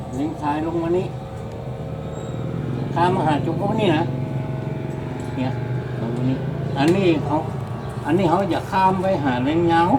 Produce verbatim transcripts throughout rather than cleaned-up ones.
เล็งซ้ายลงมานี้ข้ามมาหาจุกเขานี่นะเนี่ยลงมานี้อันนี้เขาอันนี้เขาอยากข้ามไปหาเล็งเงา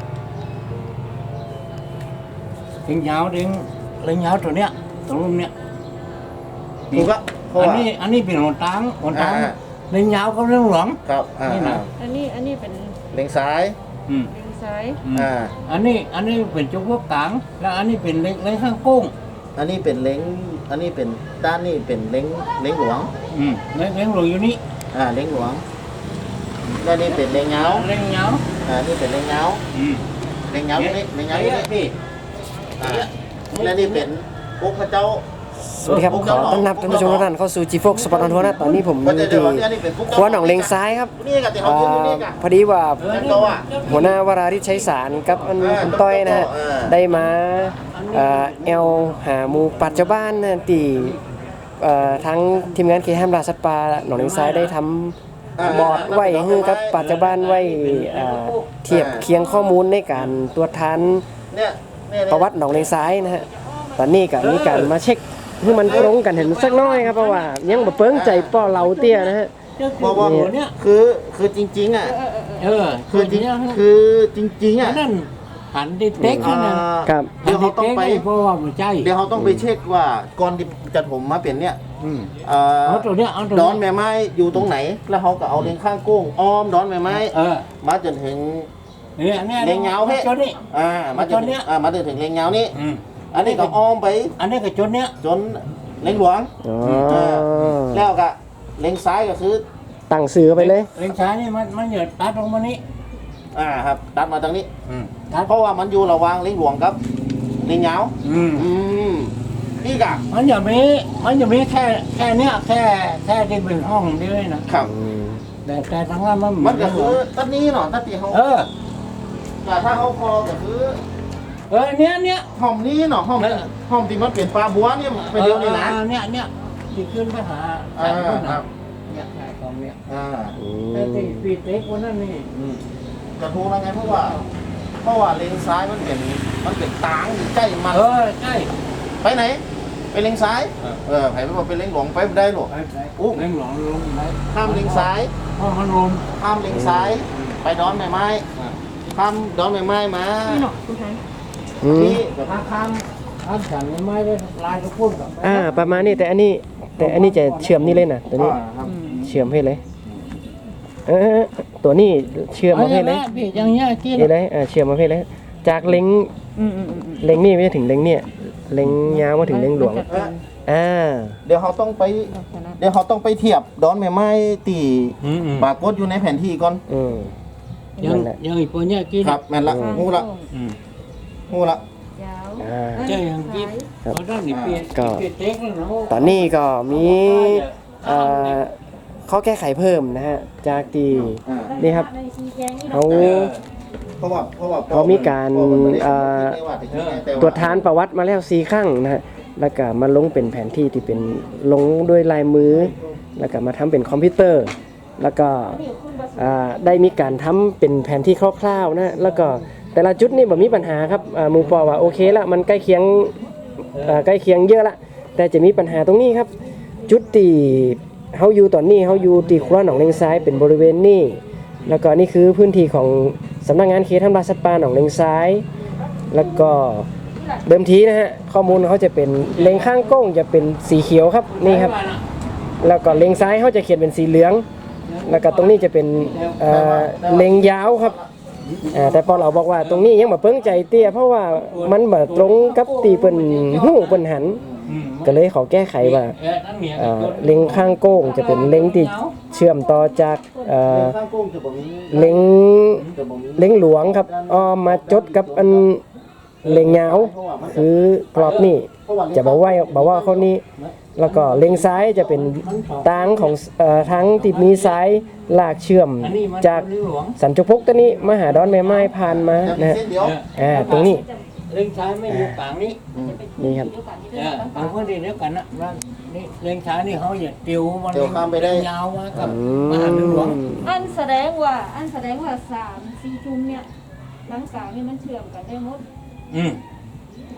เล็งเงาเล็งเล็งเงาตัวเนี้ยตรงนู้นเนี้ยถูกละอันนี้อันนี้เป็นหนทางหนทางเล็งเงาก็เรื่องหลวงครับนี่นะอันนี้อันนี้เป็นเล็งซ้ายอืมเล็งซ้ายอ่าอันนี้อันนี้เป็นจุกพวกกลางแล้วอันนี้เป็นเล็งเล็งข้างกุ้งอันนี้เป็นเล้งอันนี้เป็นด้านนี้เป็นเล้งเล้งหลวงอืมเล็งเล็งหลวงอยู่นี่อ่าเล้งหลวงแล้วนี่เป็นเล้งเงาเล็งเงาอ่านี่เป็นเล้งเงาอืมเล้งเงาตรงนี้เล้งเงาตรงนี้อ่าแล้วนี่เป็นปุ๊กพระเจ้าสวัสดีครับขอต้อนรับท่านผู้ชมทุกท่านเข้าสู่ จี โฟร์ Sport on Tour นะตอนนี้ผมอยู่ที่ครัวหนองเลงซ้ายครับพอดีว่าหัวหน้าวราริศชัยสารกับอันคุณต้อยนะฮะได้มาแอลหาหมูปัจจุบันนะที่ทั้งทีมงานเคห้ามราสัตว์ป่าหนองเลงซ้ายได้ทำบอร์ดไว้ให้กับปัจจุบันไว้เทียบเคียงข้อมูลในการตรวจทานประวัติหนองเลงซ้ายนะฮะตอนนี้ก็มีการมาเช็คให้มันตรงกันเห็นสักน้อยครับเพราะว่ายังบ่เปิ้งใจป้อเราเตี้ยนะฮะบอกว่าคือคือจริงๆอ่ะเออคือจริงคือจริงๆอ่ะนั่นหันดิเต็กนั่นครับเดี๋ยวเขาต้องไปเพราะว่ามันใจเดี๋ยวเขาต้องไปเช็คว่าก่อนที่จะถมมาเป็นเนี่ยเอาตัวเนี้ยเอาตัวดอนแม่ไม้อยู่ตรงไหนแล้วเขาก็เอาเลงข้างกุ้งอ้อมดอนแม่ไม้มาจนถึงเนี่ยเนี่ยเลงเงาเฮ้ยอ่ามาจนเนี้ยอ่ามาจนถึงเลงเงานี่อันนี้ก็อ้อมไปอันนี้ก็จนเนี้ยจนเล็งหลวงแล้วก็เล็งซ้ายก็คือตั้งสื่อไปเลยเล็งซ้ายนี่มันมันเหยียดตัดลงมานี้อ่าครับตัดมาตรงนี้เพราะว่ามันอยู่ระหว่างเล็งหลวงกับเล็งเหงาอืมอืมนี่กะมันอย่ามีมันอย่ามีแค่แค่เนี้ยแค่แค่ที่เป็นห้องเดียวนะครับแต่แต่ทั้งนั้นมันมันก็คือตัดนี้เนาะตัดที่เขาเออแต่ถ้าเขาคอก็คือเออเนี้ยเนี้ยห้องนี้เนาะห้องห้องที่มันเปลี่ยนปลาบัวเนี่ยไปเดียวนี่นะเนี้ยเนี้ยที่ขึ้นไปหาอ่าครับเนี่ยใช่ตรงเนี้ยอ่าแต่ที่ปีเต็กวันนั้นนี่กระทู้อะไรไงเพราะว่าเพราะว่าเลนซ้ายมันเป็นมันเป็นตางใกล้มันเออใกล้ไปไหนไปเลนซ้ายเออไปไม่บอกไปเลนหลวงไปไม่ได้หรอกอู้เลนหลวงลงไหมข้ามเลนซ้ายข้ามมันลงข้ามเลนซ้ายไปดอนไม้ไม้ข้ามดอนไม้ไม้มานี่เนาะคุณไทยนี่ข้ามข้ามข้ามฉันไม้ได้ลายทุกคนกับอ่าประมาณนี้แต่อันนี้แต่อันนี้จะเชื่อมนี่เลยนะตัวนี้เชื่อมให้เลยเออตัวนี้เชื่อมมาให้เลยอย่างเงี้ยกินเลยอ่าเชื่อมมาให้เลยจากเล็งเล็งนี่ไม่ถึงเล็งเนี่ยเล็งยาวมาถึงเล็งหลวงอ่าเดี๋ยวเขาต้องไปเดี๋ยวเขาต้องไปเทียบดอนไม้ไม้ตีปรากฏอยู่ในแผนที่ก่อนอืมยังยังอีกคนเนี้ยกินครับแม่นละงูละงูละเจ้ายังกินเขาต้องหนีเปลี่ยนเปลี่ยนเต็กแล้วเนาะตอนนี้ก็มีข้อแก้ไขเพิ่มนะฮะจากที่นี่ครับเขาเพราะว่าเพราะว่าเขามีการตรวจทานประวัติมาแล้วสี่ครั้งนะฮะแล้วก็มาลงเป็นแผนที่ที่เป็นลงด้วยลายมือแล้วก็มาทำเป็นคอมพิวเตอร์แล้วก็ได้มีการทำเป็นแผนที่คร่าวๆนะแล้วก็แต่ละจุดนี่แบบมีปัญหาครับหมู่ปอว่าโอเคละมันใกล้เคียงใกล้เคียงเยอะละแต่จะมีปัญหาตรงนี้ครับจุดที่เฮาอยู่ตอนนี้เฮาอยู่ที่ครัวหนองเลงซ้ายเป็นบริเวณนี้แล้วก็นี่คือพื้นที่ของสำนักงานเขตทำลายสัตว์ป่าหนองเลงซ้ายแล้วก็เดิมทีนะฮะข้อมูลเขาจะเป็นเลงข้างก้งจะเป็นสีเขียวครับนี่ครับแล้วก็เลงซ้ายเขาจะเขียนเป็นสีเหลืองแล้วก็ตรงนี้จะเป็นเลงยาวครับแต่พอเราบอกว่าตรงนี้ยังแบบเพิ่งใจเตี้ยเพราะว่ามันแบบตรงกับตีเป็นหูเป็นหันก็เลยเขาแก้ไขว่าเล็งข้างโก้งจะเป็นเล็งที่เชื่อมต่อจากเล็งเล็งหลวงครับอ้อมมาจดกับอันเล็งยาวคือกรอบนี่จะบอกว่าบอกว่าเขานี้แล้วก็เล็งซ้ายจะเป็นทางของทั้งที่มีซ้ายลากเชื่อมจากสันจุพกตัวนี้มาหาดอนแม่ไม้ผ่านมานะอ่าตรงนี้เล็งซ้ายไม่อยู่กลางนี้นี่ครับบางคนเดียวกันนะว่านี่เล็งซ้ายนี่เขาอย่าติวมันข้ามไปได้ยาวมากับมหาหลวงอันแสดงว่าอันแสดงว่าสามสี่จุ่มเนี่ยหลังกลางนี่มันเชื่อมกันได้หมดอืม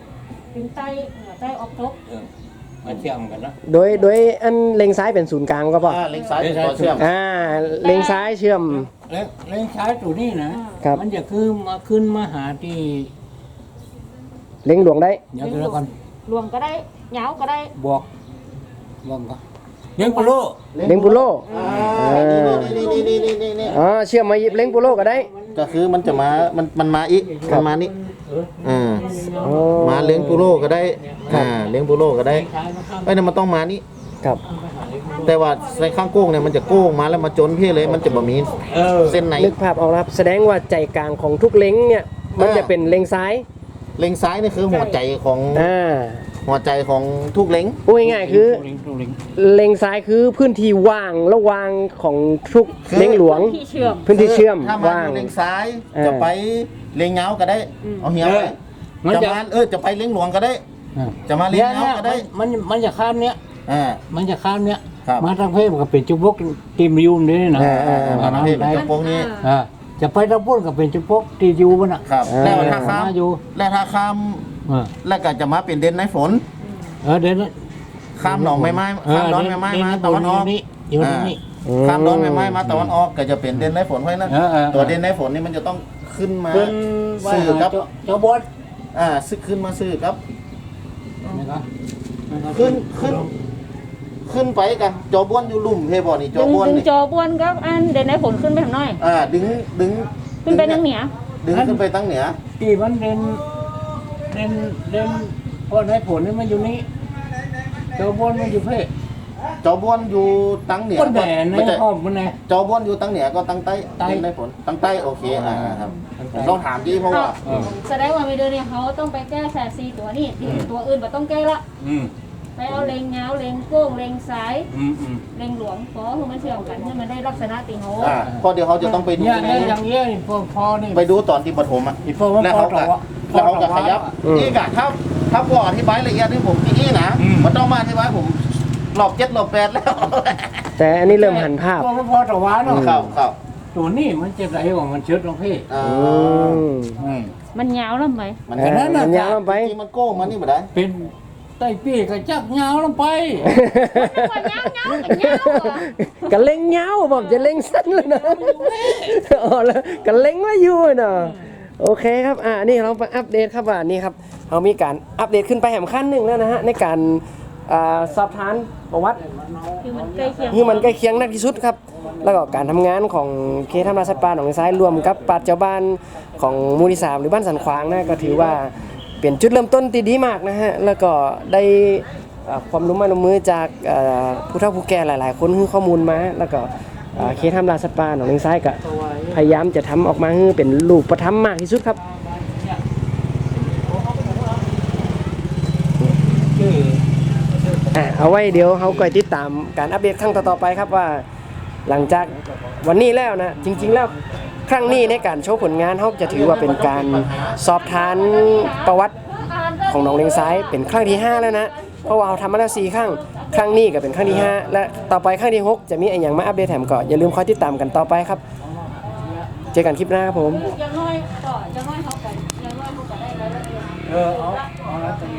เป็นไตเหนือไตออกทบเออมาเชื่อมกันนะโดยโดยอันเล็งซ้ายเป็นศูนย์กลางก็พออ่าเล็งซ้ายเป็นตัวเชื่อมอ่าเล็งซ้ายเชื่อมแล้วแล้วใช้ตัวนี้นะครับ มันจะคือมาขึ้นมาหาที่เล็งหลวงได้เดี๋ยวกันแล้วกันรวมก็ได้เหงาก็ได้บอกบอกก็เลี้ยงปลาโลเล็งปุโรอ่านี่นี่นี่นี่นี่นี่อ๋อเชื่อมมาเล็งปุโรก็ได้ก็คือมันจะมา มันมันมาอีกมันมานี่อ่าอ๋อมาเลี้ยงปูโรก็ได้ อ่า เลี้ยงปูโรก็ได้ใช้มาข้ามไอ้นี่นมันต้องมานี่ครับแต่ว่าในข้างโก้งเนี่ยมันจะโก้งมาแล้วมาจนพี่เลย มันจะบ่มีเออเส้นไหนนึกภาพออกแล้วครับแสดงว่าใจกลางของทุกเล็งเนี่ยมันจะเป็นเล็งซ้ายเล็งซ้ายนี่คือหัวใจของอ่าหัวใจของทุกเล็งพูดง่ายๆคือตัวลิงตัวลิงเล็งซ้ายคือพื้นที่ว่างระหว่างของทุกคือเล็งหลวงที่เชื่อมพื้นที่เชื่อมถ้ามาว่างเล็งซ้ายเออจะไปเล็งเงาก็ได้ เอาเหี่ยวไปมันจะจะมาเออจะไปเล็งหลวงก็ได้อ่าจะมาเล็งเนี่ยเงาก็ได้มันมันจะข้ามเนี้ยอ่ามันจะข้ามเนี้ยครับมาทางเพศก็เป็นจุบกตีมยูมนี่นะอ่าอ่าอ่ามาทางเพศเป็นจุกนี้อ่าจะไปทางพุ่นก็เป็นจุบกตียูมันอ่ะครับอ่าแล้วถ้าข้ามมาอยู่แล้วถ้าข้ามอ่าแล้วก็จะมาเป็นเด่นในฝนเออเดี๋ยวนะข้ามหนองไม้ไม้เออข้ามดอนไม้ไม้เด่นมาเด่นตะวันออกอยู่นี่อยู่นี่อ่าข้ามดอนไม้ไม้มาตะวันออกก็จะเป็นเด่นในฝนเพราะฉะนั้นเออเออตัวเด่นในฝนนี่มันจะต้องขึ้นมาขึ้นว่าสื่อครับเจ้าเจ้าบอสอ่าซึกขึ้นมาซื้อครับนะครับขึ้นขึ้น ขึ้นไปกันจอบ้วนอยู่ลุ่มเฮบอนี่จอดึงบ้วนดึงนี่จอบวนครับอันเด่นในผลขึ้นไปทางน้อยอ่าดึงดึงขึ้นไปทางเหนือดึงขึ้นไปตั้งเหนือที่มันเด่นเด่นเด่นเพราะในผลนี่มันอยู่นี่เจ้าบอสมันอยู่เพศจอบ้วนอยู่ตั้งเหนือคนแดนในมันจะห้องมันไงจอบ้วนอยู่ตั้งเหนือก็ตั้งใต้ใต้เด่นในฝนตั้งใต้โอเคอ่าครับตั้งใต้ผมต้องถามดีเพราะว่าเออแสดงว่าไม่เดินเนี่ยเขาต้องไปแก้แสซีตัวนี้ที่ตัวอื่นบ่ต้องแก้ละอืมไปเอาเลงเงาเลงโก้งเลงซ้ายอืมอืมเลงหลวงขอให้มันเชื่อมกันให้มันได้ลักษณะติงโหอ่าเพราะเดี๋ยวเขาจะต้องไปดูเนี่ยในเนี่ยอย่างเงี้ยนี่พอพอนี่ไปดูตอนที่ปฐมอ่ะอีพอว่าแล้วพอเขาต่ก็อวะแล้วเขาก็ขยับอืมนี่กะถ้าถ้าพออธิบายละเอียดให้ผมที่นี่นะอืมมันต้องมาอธิบายผมรอบเจ็ดรอบแปดแล้วแต่อันนี้เริ่มหันภาพพอพอต่อวะเนาะเข้าเข้าตัวนี้มันจะไหลของมันเชิดลงพี่อ่าอืมอืมมันยาวแล้วไหมมันเออมันยาวลงไปจริงๆมันโก้งมันนี่บ่ได้เป็นใต้ปีกก็จักยาวลงไปว่ายาวเงากันยาวอ่ะกะเล็งเงาผมจะเล็งสั้นเลยนะอ๋อแล้วกะเล็งไว่าอยู่เนาะโอเคครับอ่านี่เรามาอัปเดตครับว่านี่ครับเรามีการอัปเดตขึ้นไปแหมขั้นหนึ่งแล้วนะฮะในการอ่าสอบทานประวัติคือมันใกล้เคียงที่มันใกล้เคียงนักที่สุดครับ แล้วก็การทำงานของเคทำลายสัตว์ป่าหนองซ้ายรวมกับปราชญ์ชาวบ้านของหมู่ที่สามหรือบ้านสันขวางนะก็ถือว่าเป็นจุดเริ่มต้นที่ดีมากนะฮะแล้วก็ได้อ่าความรู้มาลงมือจากอ่าผู้เฒ่าผู้แก่หลาย ๆ คนให้ข้อมูลมา แล้วก็อ่าเคทำลายสัตว์ป่าหนองซ้ายก็พยายามจะทำออกมาให้เป็นรูปธรรมมากที่สุดครับชื่ออ่ะเอาไว้เดี๋ยวเขาก็ติดตามการอัปเดตครั้งต่อๆไปครับว่าหลังจากวันนี้แล้วนะจริงๆแล้วครั้งนี้ในการโชว์ผลงานเขาจะถือว่าเป็นการสอบทานประวัติของหนองเลงซ้ายเป็นครั้งที่ห้าแล้วนะเพราะว่าเราทำมาแล้วสี่ครั้งครั้งนี้ก็เป็นครั้งที่ห้าและต่อไปครั้งที่หกจะมีอะไรอย่างมาอัปเดตแถมก็อย่าลืมคอยติดตามกันต่อไปครับเจอกันคลิปหน้าครับผมอยังน้อยก็อยังน้อยเขากันอยังน้อยเขาก็ได้รายละเอียดเออเอาเอาละ